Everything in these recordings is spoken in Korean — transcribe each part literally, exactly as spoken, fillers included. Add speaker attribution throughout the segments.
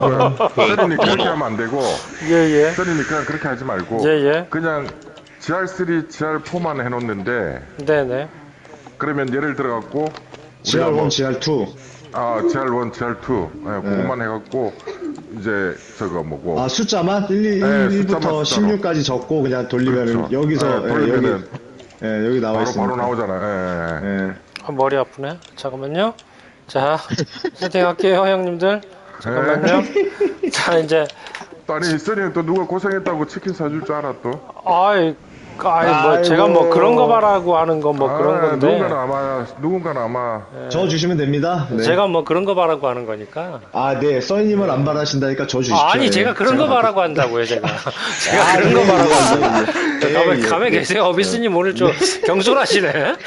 Speaker 1: 써니님 그렇게 하면 안 되고
Speaker 2: 예예.
Speaker 1: 써니님 그냥 그렇게 하지 말고
Speaker 2: 예예.
Speaker 1: 그냥 지알 쓰리, 지알 포만 해놓는데
Speaker 2: 네네.
Speaker 1: 그러면 예를 들어갖고
Speaker 3: 지알 원, 지알 투.
Speaker 1: 아 지알 원, 지알 투 예, 그것만 해갖고 이제 저거 뭐고
Speaker 3: 아, 숫자만? 일,
Speaker 1: 네,
Speaker 3: 일,
Speaker 1: 숫자만
Speaker 3: 일부터 십육까지 적고 그냥 돌리면은
Speaker 1: 그렇죠.
Speaker 3: 여기서
Speaker 1: 네,
Speaker 3: 예,
Speaker 1: 돌리면은
Speaker 3: 여기 예, 여기 나와
Speaker 1: 바로
Speaker 3: 있습니다.
Speaker 1: 바로 나오잖아요. 예, 예.
Speaker 3: 예.
Speaker 2: 아, 머리 아프네. 잠깐만요. 자, 세팅할게요, 형님들. 잠깐만요. 자, 이제
Speaker 1: 아니 써니는 또 누가 고생했다고 치킨 사줄 줄 알아 또?
Speaker 2: 아이, 아이 뭐
Speaker 3: 아이고.
Speaker 2: 제가 뭐 그런 거 바라고 하는 건 뭐
Speaker 1: 아,
Speaker 2: 그런 건데.
Speaker 1: 누군가는 아마 누군가는 아마
Speaker 3: 저 주시면 됩니다. 네.
Speaker 2: 제가 뭐 그런 거 바라고 하는 거니까.
Speaker 3: 아, 네. 써니님은 안 바라신다니까 저 주십시오.
Speaker 2: 아, 아니
Speaker 3: 예.
Speaker 2: 제가 그런 거 바라고 한다고요, 제가. 제가
Speaker 3: 아,
Speaker 2: 그런 거
Speaker 3: 예,
Speaker 2: 바라고
Speaker 3: 예,
Speaker 2: 한다.
Speaker 3: 예, 예.
Speaker 2: 가만,
Speaker 3: 예,
Speaker 2: 가만
Speaker 3: 예.
Speaker 2: 계세요. 어비스님 오늘 좀 경솔하시네.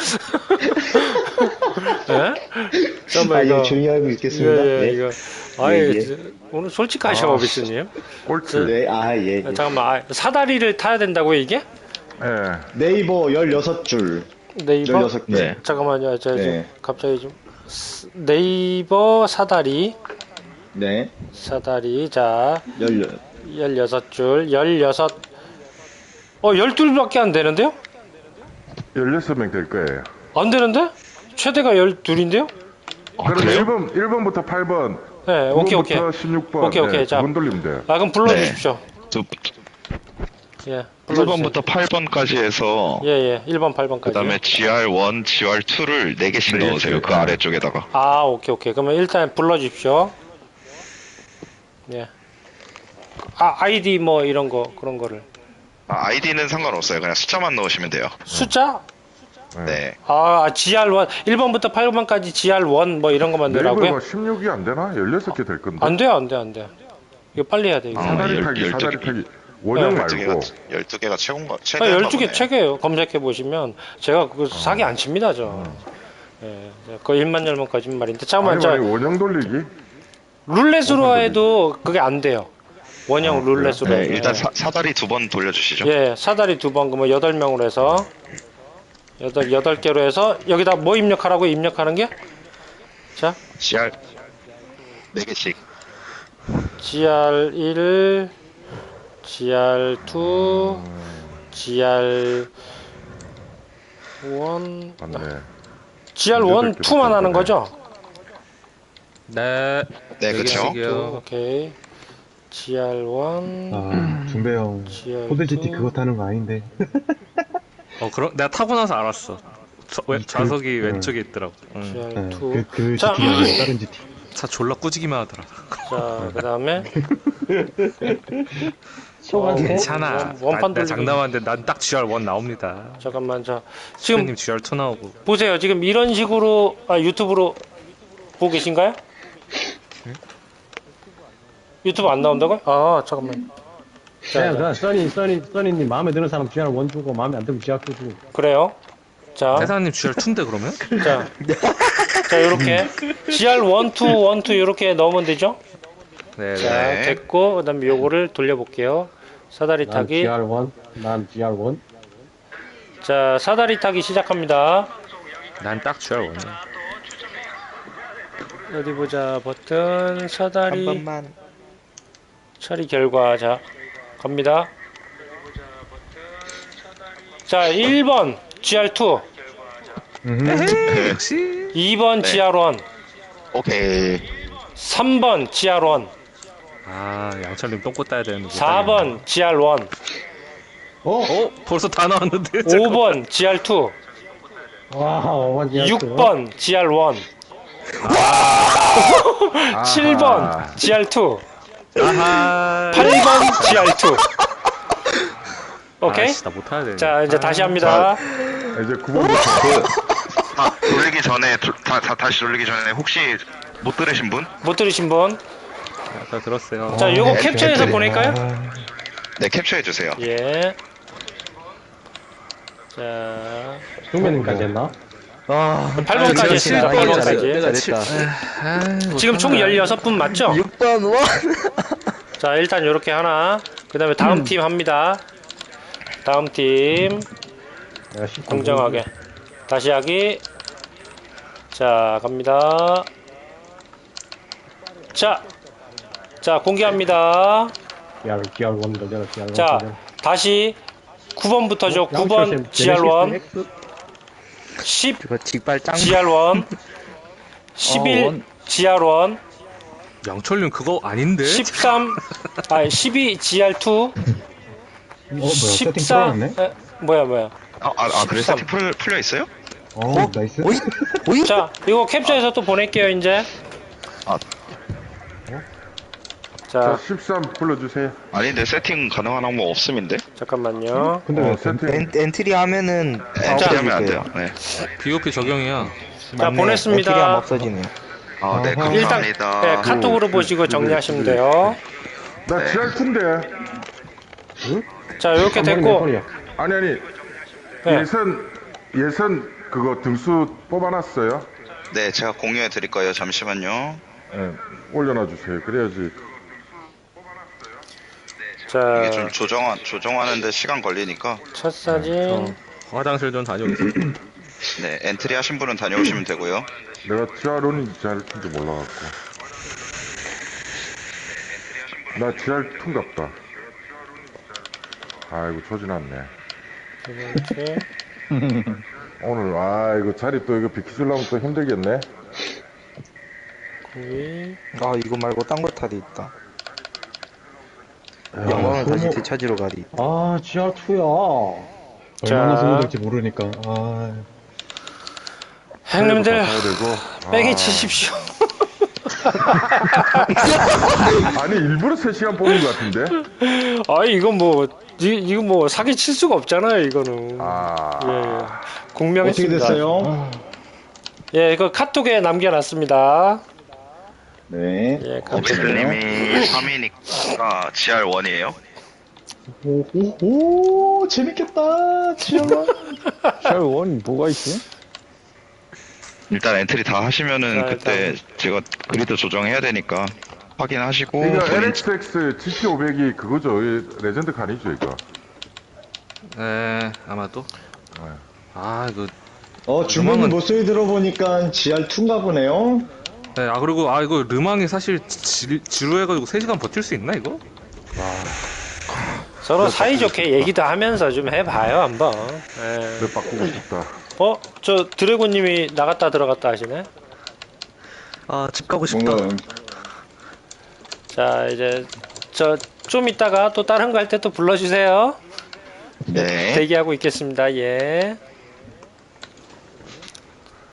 Speaker 2: 예? 잠깐만,
Speaker 3: 아,
Speaker 2: 이거.
Speaker 3: 예, 조용히 하고 있겠습니다.
Speaker 2: 예, 예,
Speaker 3: 네.
Speaker 2: 이거. 아이,
Speaker 3: 예, 예.
Speaker 2: 저- 오늘 솔직하셔,
Speaker 1: 아.
Speaker 2: 어비스님.
Speaker 1: 꼴찌.
Speaker 3: 네, 아, 예, 예.
Speaker 2: 잠깐만, 아, 사다리를 타야 된다고요, 이게?
Speaker 1: 예.
Speaker 3: 네이버 열여섯 줄.
Speaker 2: 네이버?
Speaker 3: 열여섯 개.
Speaker 1: 네.
Speaker 2: 잠깐만요, 저, 저
Speaker 3: 네.
Speaker 2: 갑자기 좀. 스- 네이버 사다리.
Speaker 3: 네.
Speaker 2: 사다리, 자,
Speaker 3: 열여.
Speaker 2: 열여섯 줄, 열여섯. 어, 열둘밖에 안 되는데요?
Speaker 1: 열여섯 명 될 거예요.
Speaker 2: 안 되는데? 최대가 열둘인데요?
Speaker 1: 그럼 일 번, 일 번부터 팔 번,
Speaker 2: 네, 오케이, 오케이.
Speaker 1: 십육 번.
Speaker 2: 오케이, 오케이. 자.
Speaker 1: 분 돌리면 돼요.
Speaker 2: 아, 그럼 불러주십시오.
Speaker 4: 저
Speaker 2: 예, 불러주세요.
Speaker 4: 일 번부터 팔 번까지 해서
Speaker 2: 예, 예, 일 번, 팔 번까지.
Speaker 4: 그 다음에 지알 원, 지알 투를 네 개씩
Speaker 1: 네
Speaker 4: 넣으세요.
Speaker 1: 개씩.
Speaker 4: 그 아래쪽에다가.
Speaker 2: 아, 오케이, 오케이. 그러면 일단 불러주십시오. 예. 아, 아이디 뭐 이런 거, 그런 거를.
Speaker 4: 아, 아이디는 상관없어요. 그냥 숫자만 넣으시면 돼요.
Speaker 2: 숫자?
Speaker 4: 네.
Speaker 2: 아, 지알 원. 일 번부터 팔 번까지 지알 원 뭐 이런 것만 넣으라고요?
Speaker 1: 네이버가 십육이 안 되나? 열여섯 개 될 건데.
Speaker 2: 안 돼요, 안 돼, 안 돼. 이거 빨리 해야 돼, 이거.
Speaker 4: 아,
Speaker 1: 사다리
Speaker 4: 열-
Speaker 1: 타기,
Speaker 4: 열두
Speaker 1: 사다리
Speaker 4: 개.
Speaker 1: 타기. 원형
Speaker 2: 네.
Speaker 4: 열두 개가,
Speaker 1: 말고.
Speaker 4: 열두 개가 최고인가?
Speaker 2: 아,
Speaker 4: 최대인가
Speaker 2: 열두 개
Speaker 4: 보네.
Speaker 2: 책이에요. 검색해 보시면 제가 그거 사기 안 칩니다, 저. 예, 그 일만 열면 거짓말인데. 잠깐만,
Speaker 1: 아니,
Speaker 2: 저
Speaker 1: 아니, 원형 돌리기?
Speaker 2: 룰렛으로 해도 그게 안 돼요. 원형
Speaker 1: 아,
Speaker 2: 룰렛으로.
Speaker 4: 네,
Speaker 2: 해도.
Speaker 4: 일단 사, 사다리 두 번 돌려주시죠.
Speaker 2: 예, 사다리 두 번, 그러면 여덟 명으로 해서 여덟 여덟 개로 해서 여기다 뭐 입력하라고 입력하는 게? 자,
Speaker 4: 지알 네 개씩.
Speaker 2: 지알 일, 지알 이, 지알 일,
Speaker 1: 맞네.
Speaker 2: 지알 일,
Speaker 1: 여덟 개
Speaker 2: 이만 하는
Speaker 1: 붙었네.
Speaker 2: 거죠?
Speaker 5: 네.
Speaker 4: 네, 그쵸.
Speaker 5: 개씩이요.
Speaker 2: 오케이. 지알 일,
Speaker 6: 아, 중배 형.
Speaker 2: 지알
Speaker 6: 포드지티
Speaker 2: 이.
Speaker 6: 그거 타는 거 아닌데.
Speaker 5: 어, 그럼 내가 타고 나서 알았어. 저, 왼,
Speaker 6: 그-
Speaker 5: 좌석이
Speaker 6: 그-
Speaker 5: 왼쪽에 있더라고. 응.
Speaker 2: 지알
Speaker 6: 네,
Speaker 2: 이.
Speaker 6: 그, 그
Speaker 2: 자.
Speaker 6: 지티 아니고 다른 지티.
Speaker 5: 차 졸라 꾸지기만 하더라.
Speaker 2: 자, 그 다음에
Speaker 5: 괜찮아.
Speaker 2: 원- 원판
Speaker 5: 나,
Speaker 2: 돌리기.
Speaker 5: 나 장담하는데 난 딱 지알 일 나옵니다.
Speaker 2: 잠깐만, 자 지금
Speaker 5: 지금 지알 이 나오고.
Speaker 2: 보세요. 지금 이런 식으로 아, 유튜브로 보고 계신가요? 유튜브 안 나온다고요? 아, 잠깐만. 자,
Speaker 7: 그냥
Speaker 2: 자,
Speaker 7: 그 써니 써니 써니님 마음에 드는 사람 지알 원 주고 마음에 안 들면 지알 투 주고
Speaker 2: 그래요. 자,
Speaker 5: 회사님 지알 이인데 그러면?
Speaker 2: 자, 자, 요렇게 지알 일, 이, 일, 이 요렇게 넣으면 되죠?
Speaker 5: 네.
Speaker 2: 자,
Speaker 5: 네.
Speaker 2: 됐고 그다음에 요거를 돌려볼게요. 사다리
Speaker 7: 난
Speaker 2: 타기.
Speaker 7: 지알 원, 난 지알 원.
Speaker 2: 자, 사다리 타기 시작합니다.
Speaker 5: 난 딱 지알 일.
Speaker 2: 어디 보자. 버튼 사다리
Speaker 4: 한 번만.
Speaker 2: 처리 결과. 자, 갑니다. 자, 일 번 지알 이,
Speaker 4: 네.
Speaker 5: 역시.
Speaker 2: 이 번
Speaker 4: 네.
Speaker 2: 지알 일,
Speaker 4: 오케이.
Speaker 2: 삼 번 지알 일,
Speaker 5: 아, 양철님 똥꼬 따야 되는데.
Speaker 2: 사 번 지알 일,
Speaker 7: 어?
Speaker 5: 어? 벌써 다 나왔는데.
Speaker 2: 오 번 지알 이,
Speaker 7: 와, 어만 지알 투.
Speaker 2: 육 번 지알 일, 칠 번 지알 이,
Speaker 5: 아하.
Speaker 2: 팔 번 지알 이. 오케이?
Speaker 5: 아씨, 나 못해야 돼.
Speaker 2: 자, 이제 다시 합니다.
Speaker 1: 이제 구 번부터.
Speaker 4: 아, 돌리기 전에 도- 다, 다, 다시 돌리기 전에 혹시 못 들으신 분?
Speaker 2: 못 들으신 분?
Speaker 5: 아까 들었어요.
Speaker 2: 자, 요거
Speaker 4: 네,
Speaker 2: 캡처해서
Speaker 4: 네,
Speaker 2: 보낼까요?
Speaker 4: 네, 캡처해 주세요.
Speaker 2: 예. 자,
Speaker 7: 중매님까지 했나?
Speaker 5: 아,
Speaker 2: 팔 번까지
Speaker 5: 제가
Speaker 2: 했습니다.
Speaker 5: 칠
Speaker 2: 팔
Speaker 5: 번
Speaker 2: 번까지.
Speaker 5: 내가 칠. 아,
Speaker 2: 지금 총 열여섯 분 맞죠?
Speaker 8: 육 번 원.
Speaker 2: 자, 일단 요렇게 하나. 그 다음에 다음 팀 합니다. 다음 팀.
Speaker 7: 내가 십 번
Speaker 2: 공정하게. 다시 하기. 자, 갑니다. 자, 자, 공개합니다.
Speaker 7: 지알, 지알 원도 열어, 지알 원.
Speaker 2: 자, 다시 구 번부터죠. 구 번 지알 원, 십
Speaker 8: 그거 직발 짱.
Speaker 2: 지알 원, 십일
Speaker 8: 원.
Speaker 2: 지알 원,
Speaker 5: 양철님 그거 아닌데?
Speaker 2: 십삼, 아, 십이 지알 투,
Speaker 6: 어, 뭐야, 세팅
Speaker 2: 십사,
Speaker 6: 풀어놨네?
Speaker 2: 에, 뭐야, 뭐야.
Speaker 4: 아, 아, 아 그래
Speaker 2: 십삼.
Speaker 4: 세팅 풀, 풀려 있어요?
Speaker 6: 어, 나이스.
Speaker 2: 자, 이거 캡처해서 또 보낼게요, 이제.
Speaker 4: 아.
Speaker 1: 자,
Speaker 2: 자,
Speaker 1: 십삼 불러주세요.
Speaker 4: 아닌데 세팅 가능한 항목 없음인데?
Speaker 2: 잠깐만요.
Speaker 6: 근데
Speaker 1: 어,
Speaker 6: 왜
Speaker 1: 세팅.
Speaker 8: 엔, 엔트리 하면은 다
Speaker 4: 엔트리 하면 안
Speaker 8: 없어질게요.
Speaker 4: 돼요. 네.
Speaker 5: 비오피 적용이야.
Speaker 2: 자, 보냈습니다.
Speaker 8: 엔트리 하면 없어지네요.
Speaker 4: 아, 네,
Speaker 6: 아하.
Speaker 2: 일단
Speaker 4: 감사합니다.
Speaker 2: 네, 카톡으로 보시고 정리하시면 돼요.
Speaker 1: 나 지알 투인데.
Speaker 2: 자, 이렇게
Speaker 7: 한 번에 몇
Speaker 2: 됐고,
Speaker 7: 번이야?
Speaker 1: 아니, 아니.
Speaker 2: 네.
Speaker 1: 예선, 예선 그거 등수 뽑아놨어요.
Speaker 4: 네, 제가 공유해 드릴 거예요. 잠시만요.
Speaker 1: 예, 올려놔 주세요. 그래야지.
Speaker 4: 이게 좀
Speaker 2: 자,
Speaker 4: 조정 조정하는데 시간 걸리니까.
Speaker 2: 첫 사진.
Speaker 5: 화장실 좀 다녀오겠습니다.
Speaker 4: 네, 엔트리 하신 분은 다녀오시면 되고요.
Speaker 1: 내가 지알원인지 지알투인지 몰라갖고. 나 지알투인갑다. 아이고, 조지났네.
Speaker 2: 두 번째.
Speaker 1: 오늘, 아, 이거 자리 또 이거 비키주려면 또 힘들겠네.
Speaker 2: 구이.
Speaker 8: 아 이거 말고 딴 거 타도 있다.
Speaker 6: 야,
Speaker 8: 영광을 다시
Speaker 6: 소모-
Speaker 8: 되찾으러 가리.
Speaker 7: 아, 지알 투야.
Speaker 6: 얼마나
Speaker 2: 자.
Speaker 6: 소모될지 모르니까. 아,
Speaker 2: 형님들,
Speaker 1: 가야 되고.
Speaker 2: 뺑이
Speaker 1: 아.
Speaker 2: 치십시오.
Speaker 1: 아니, 일부러 세 시간 뽑는 것 같은데?
Speaker 2: 아, 이거 뭐, 이, 이거 뭐, 사기 칠 수가 없잖아요, 이거는.
Speaker 1: 아.
Speaker 2: 예, 예.
Speaker 7: 어떻게
Speaker 2: 공명했습니다.
Speaker 7: 됐어요?
Speaker 2: 예, 이거 카톡에 남겨놨습니다.
Speaker 3: 네.
Speaker 2: 예, 카톡에.
Speaker 4: 오비스님이 삼 위니까 지알 원이에요.
Speaker 3: 오, 오, 오, 재밌겠다. 지알 원.
Speaker 7: 지알 원 뭐가 있지?
Speaker 4: 일단 엔트리 다 하시면은
Speaker 2: 자,
Speaker 4: 그때 제가 그리드 조정해야 되니까 확인하시고
Speaker 1: 이거
Speaker 4: 본인
Speaker 1: 엘엑스엑스 지티 오백이 그거죠. 이 레전드 칸이죠, 이거.
Speaker 5: 네, 아마도. 아, 이거.
Speaker 3: 어, 주문
Speaker 5: 음악은-
Speaker 3: 목소리 들어보니까 지알 투인가 보네요.
Speaker 5: 네, 아, 그리고, 아, 이거 르망이 사실 지, 지루해가지고 세 시간 버틸 수 있나, 이거?
Speaker 2: 서로 사이좋게 얘기도 하면서 좀 해봐요, 한번. 예.
Speaker 1: 내 바꾸고 싶다.
Speaker 2: 어? 저 드래곤님이 나갔다 들어갔다 하시네?
Speaker 8: 아 집 가고 싶다.
Speaker 3: 뭔가
Speaker 2: 자, 이제, 저, 좀 이따가 또 다른 거 할 때 또 불러주세요.
Speaker 4: 네.
Speaker 2: 대기하고 있겠습니다, 예.